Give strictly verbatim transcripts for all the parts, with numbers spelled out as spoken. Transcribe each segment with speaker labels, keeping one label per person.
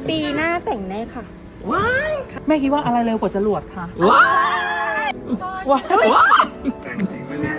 Speaker 1: ปีหน้าแต่งแน่ค่ะ
Speaker 2: ว้ายแม่คิดว่าอะไรเร็วกว่าจรวดคะว้ายว้าย
Speaker 3: แต่งจริงไหมเนี่ย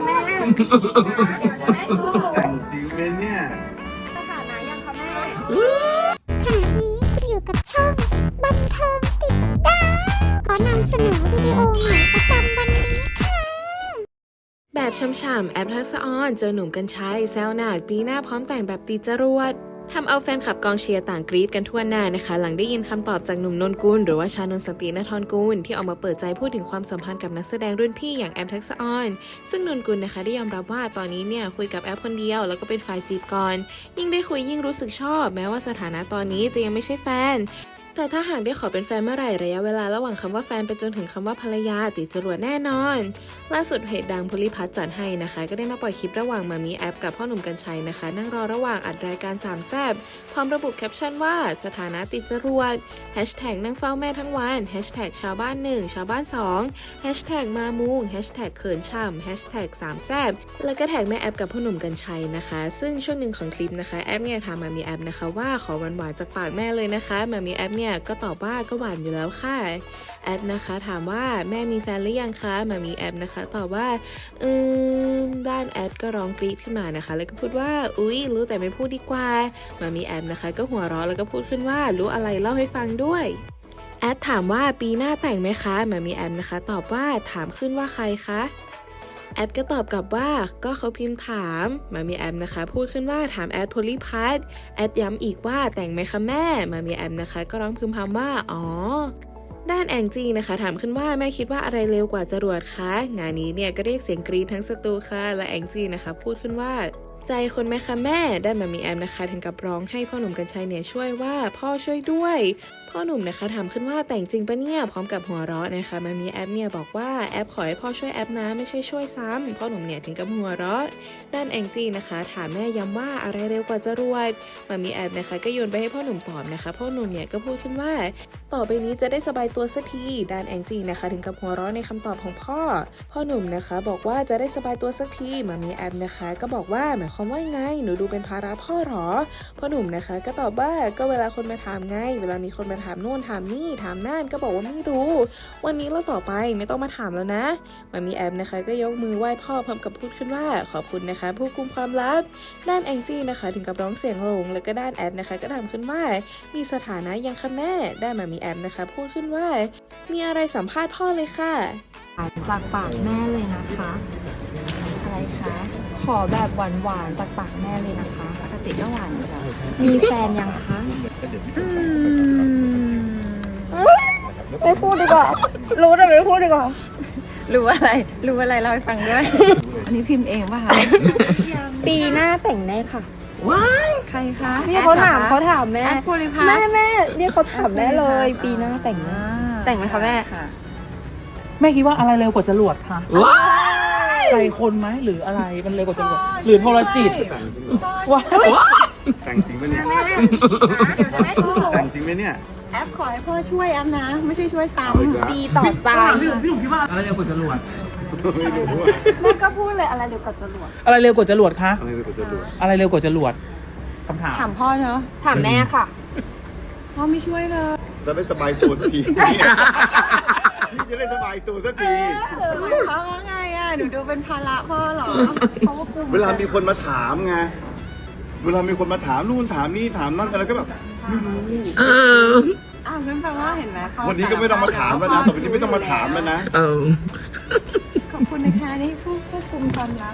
Speaker 3: แต่งจริงไหมเนี่ย
Speaker 1: สถานะยังคะแม่
Speaker 4: ขณะนี้คุณอยู่กับช่องบันเทิงติดดาวขอนำเสนอวิดีโอใหม่ประจำวันนี้ค่ะ
Speaker 5: แบบช่ำๆแอปทักษะออนเจอหนุ่มกัญชัยแซวหนักปีหน้าพร้อมแต่งแบบตีจรวดทำเอาแฟนคลับกองเชียร์ต่างกรี๊ดกันทั่วหน้านะคะหลังได้ยินคำตอบจากหนุ่มนนกุลหรือว่าชานนท์สันตินทรกุลที่ออกมาเปิดใจพูดถึงความสัมพันธ์กับนักแสดงรุ่นพี่อย่างแอปทักษะออนซึ่งนนกุลนะคะได้ยอมรับว่าตอนนี้เนี่ยคุยกับแอปคนเดียวแล้วก็เป็นฝ่ายจีบก่อนยิ่งได้คุยยิ่งรู้สึกชอบแม้ว่าสถานะตอนนี้จะยังไม่ใช่แฟนแต่ถ้าหากได้ขอเป็นแฟนเมื่อไหร่ระยะเวลาระหว่างคำว่าแฟนไปจนถึงคำว่าภรรยาติดจรวดแน่นอนล่าสุดเพจดังพลิพัฒน์จัดให้นะคะก็ได้มาปล่อยคลิประหว่างมามีแอปกับพ่อหนุ่มกัญชัยนะคะนั่งรอระหว่างอัดรายการสามแซ่บพร้อมระบุแคปชั่นว่าสถานะติดจรวดแฮชแท็กนั่งเฝ้าแม่ทั้งวันแฮชแท็กชาวบ้านหนึ่งชาวบ้านสองแฮชแท็กมามุงแฮชแท็กเขินช่ำแฮชแท็กสามแซ่บแล้วก็แท็กแม่แอปกับพ่อหนุ่มกัญชัยนะคะซึ่งช่วงหนึ่งของคลิปนะคะแอปเนี่ยถามมามีแอปนะคะว่าขอหวานๆจากปากแม่เลยนะคะมามีแอปเนี่ยก็ตอบว่าก็หวานอยู่แล้วค่ะแอดนะคะถามว่าแม่มีแฟนหรือยังคะมามีแอปนะคะตอบว่าอืมด้านแอดก็ร้องกรี๊ดขึ้นมานะคะแล้วก็พูดว่าอุ๊ยรู้แต่ไม่พูดดีกว่ามามีแอปนะคะก็หัวเราะแล้วก็พูดขึ้นว่ารู้อะไรเล่าให้ฟังด้วยแอดถามว่าปีหน้าแต่งไหมคะมามีแอปนะคะตอบว่าถามขึ้นว่าใครคะแอดก็ตอบกลับว่าก็เขาพิมพ์ถามมามีแอมนะคะพูดขึ้นว่าถามแอดโพลิพัทแอดย้ำอีกว่าแต่งไหมคะแม่มามีแอมนะคะก็ร้องพึมพำว่าอ๋อด้านแองจี้นะคะถามขึ้นว่าแม่คิดว่าอะไรเร็วกว่าจรวดคะงานนี้เนี่ยก็เรียกเสียงกรี๊ดทั้งสตูค่ะและแองจี้นะคะพูดขึ้นว่าใจคนไหมคะแม่ด้านมามีแอมนะคะถึงกับร้องให้พ่อหนุ่มกัญชัยเนี่ยช่วยว่าพ่อช่วยด้วยพ่อหนุ่มนะคะถามขึ้นว่าแต่งจริงปะเนี่ยพร้อมกับหัวเราะนะคะมามีแอปเนี่ยบอกว่าแอปขอให้พ่อช่วยแอปนะไม่ใช่ช่วยซ้ำพ่อหนุ่มเนี่ยถึงกับหัวเราะด้านแองจี้นะคะถามแม่ย้ำว่าอะไรเร็วกว่าจรวดมามีแอปนะคะก็โยนไปให้พ่อหนุ่มตอบนะคะพ่อหนุ่มเนี่ยก็พูดขึ้นว่าต่อไปนี้จะได้สบายตัวสักทีด้านแองจี้นะคะถึงกับหัวเราะในคำตอบของพ่อพ่อหนุ่มนะคะบอกว่าจะได้สบายตัวสักทีมามีแอปนะคะก็บอกว่าหมายความว่าไงหนูดูเป็นภาระพ่อหรอพ่อหนุ่มนะคะก็ตอบว่าก็เวลาคนมาถามไงเวลามีคนมาถามโน่นถามนี่ถามนั่นก็บอกว่าไม่รู้วันนี้แล้วต่อไปไม่ต้องมาถามแล้วนะมามีแอปนะคะก็ยกมือไหว้พ่อพร้อมกับพูดขึ้นว่าขอบคุณนะคะผู้กุมความลับด้านแองจี้นะคะถึงกับร้องเสียงหลงแล้วก็ด้านแอปนะคะก็ถามขึ้นว่ามีสถานะยังคะแม่ได้มามีแอปนะคะพูดขึ้นว่ามีอะไรสัมภาษณ์พ่อเลยค่ะ
Speaker 1: จากปากแม่เลยนะคะอะไรคะขอแบบหวานๆจากปากแม่เลยนะคะปกติก็หวานอยู่แล้วมีแฟนยังคะอืมไม่พูดดีกว่ารู้แต่ไม่พูดดีกว่า
Speaker 6: รู้อะไรรู้อะไรเล่าให้ฟังด้วยอันนี้พิมพ์เองป่ะคะ
Speaker 1: ปีหน้าแต่งแน่ค่ะ
Speaker 6: ว้ายใครคะ
Speaker 1: นี่เขาถามเขาถามแม่
Speaker 6: แอดโพลิพัท
Speaker 1: แม่แม่เนี่ยเขาถามแม่เลยปีหน้าแต่งแน่แต่งไหมคะแม่
Speaker 6: ค่ะ
Speaker 2: แม่คิดว่าอะไรเร็วกว่าจรวดคะว้ายใจคนไหมหรืออะไรมันเร็วกว่าจรวดหรือโทรจิตว้าย
Speaker 3: แต่งจริงไหมเนี่ยแต่งจริงไหมเนี่ย
Speaker 6: แอปขอให้พ่อช่วยแอปนะไม่ใช่ช่วยซ้ำ
Speaker 1: ดีต่อใจ
Speaker 2: พี่หนุ่มพี่หนุ่มคิดว่าอะไรเร็วกว่าจรวด
Speaker 3: ไม่รู้ว่า
Speaker 1: แม่ก็พูดเลยอะไรเร็วกว่าจรวด
Speaker 2: อะไรเร็วกว่าจรวดคะ
Speaker 3: อะไรเร็วกว่าจรวด
Speaker 2: อะไรเร็วกว่าจรวดคำถาม
Speaker 6: ถามพ่อเนาะ
Speaker 1: ถามแม่ค่ะ
Speaker 6: พ่อไม่ช่วยเลย
Speaker 3: จะได้สบายตัวสักทีพี่จะได้สบายตัวสักที
Speaker 6: เขาว่าไงอ่ะหนูดูเป็นภาระพ่อหรอ
Speaker 3: เวลามีคนมาถามไงเวลามีคนมาถามนู่นถามนี่ถามนั่นอะไรก็แบบไม่รู้
Speaker 6: อ้าวงั้นแปลว่าเห็นไหม
Speaker 3: วันนี้ก็ไม่ต้องมาถามแล้วนะต่อไปนี้ไม่ต้องมาถามแล้วนะ
Speaker 6: ขอบคุณนะคะที่ผู้ควบคุมความลับ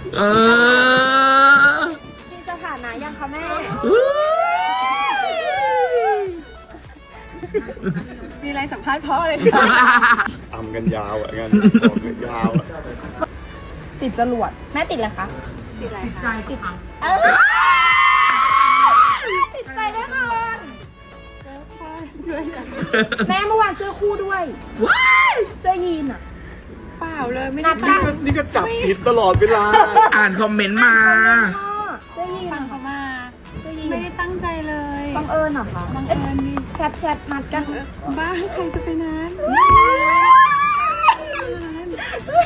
Speaker 1: มีสถานะยังคะแม่
Speaker 6: มีอะไรสัมภาษณ์พ่อเลยค่ะ
Speaker 3: อ่ำกันยาวอ่ะงั้นบอกกันยาวอ่ะ
Speaker 1: ติดจรวดแม่ติดอะไรคะ
Speaker 6: ติดอะไรคะ
Speaker 1: ติดติดใจแน่นอนแม่เมื่อวานเสื้อคู่ด้วยเสื้อยีนอ่ะ
Speaker 6: เปล่าเลยไม่
Speaker 1: ได้
Speaker 3: นี่ก็จับผิดตลอดเวลา
Speaker 2: อ่านคอมเมนต์มา
Speaker 1: เสื้อยีน
Speaker 6: ฟังเขามาไม่ได้ตั้งใจเลย
Speaker 1: บังเอิญเหรอคะ
Speaker 6: บังเอิญนี่
Speaker 1: แชทแชทนัดกัน
Speaker 6: บ้าใครจะไปนั้น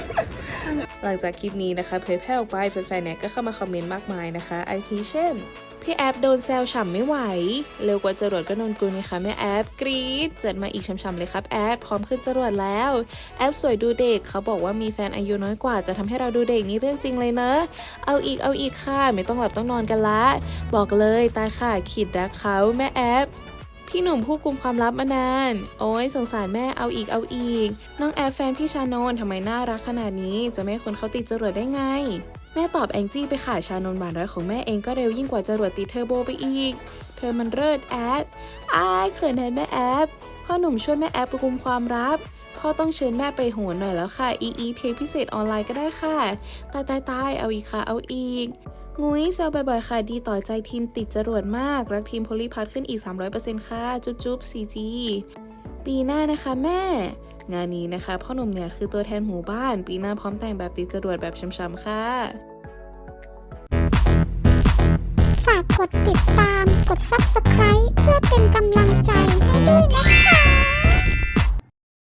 Speaker 5: หลังจากคลิปนี้นะคะเผยแพร่ออกไปแฟนๆเนี่ยก็เข้ามาคอมเมนต์มากมายนะคะอาทิเช่นพี่แอฟโดนแซวฉ่ำไม่ไหวเร็วกว่าจรวดก็นนกุลนะคะแม่แอฟกรี๊ดเจิดมาอีกฉ่ำๆเลยครับแอฟพร้อมขึ้นจรวดแล้วแอฟสวยดูเด็กเขาบอกว่ามีแฟนอายุน้อยกว่าจะทำให้เราดูเด็กนี่เรื่องจริงเลยเนอะเอาอีกเอาอีกค่ะไม่ต้องหลับต้องนอนกันละบอกเลยตายค่ะขีดรักเขาแม่แอฟพี่หนุ่มผู้กุมความลับมานานโอ้ยสงสารแม่เอาอีกเอาอีกน้องแอฟแฟนพี่ชานนท์ทำไมน่ารักขนาดนี้จะไม่ให้คนเขาติดจรวดได้ไงแม่ตอบแองจี้ไปค่ะชานนท์หวานร้อยของแม่เองก็เร็วยิ่งกว่าจรวดติดเทอร์โบไปอีกเธอมันเลิศแอดอายเขินแทนแม่แอฟพ่อหนุ่มช่วยแม่แอฟกุมความลับพ่อต้องเชิญแม่ไปโหนหน่อยแล้วค่ะอีอีเพลงพิเศษออนไลน์ก็ได้ค่ะตายตายตายเอาอีกค่ะเอาอีกงุ้ยแซวบ่อยๆค่ะดีต่อใจทีมติดจรวดมากรักทีมโพลีพัทขึ้นอีก สามร้อยเปอร์เซ็นต์ ค่ะจุ๊บจุ๊บ ซี จี ปีหน้านะคะแม่งานนี้นะคะพ่อหนุ่มเนี่ยคือตัวแทนหมู่บ้านปีหน้าพร้อมแต่งแบบติดจรวดแบบช้ำๆค่ะ
Speaker 4: ฝากกดติดตาม กด ซับสไครบ์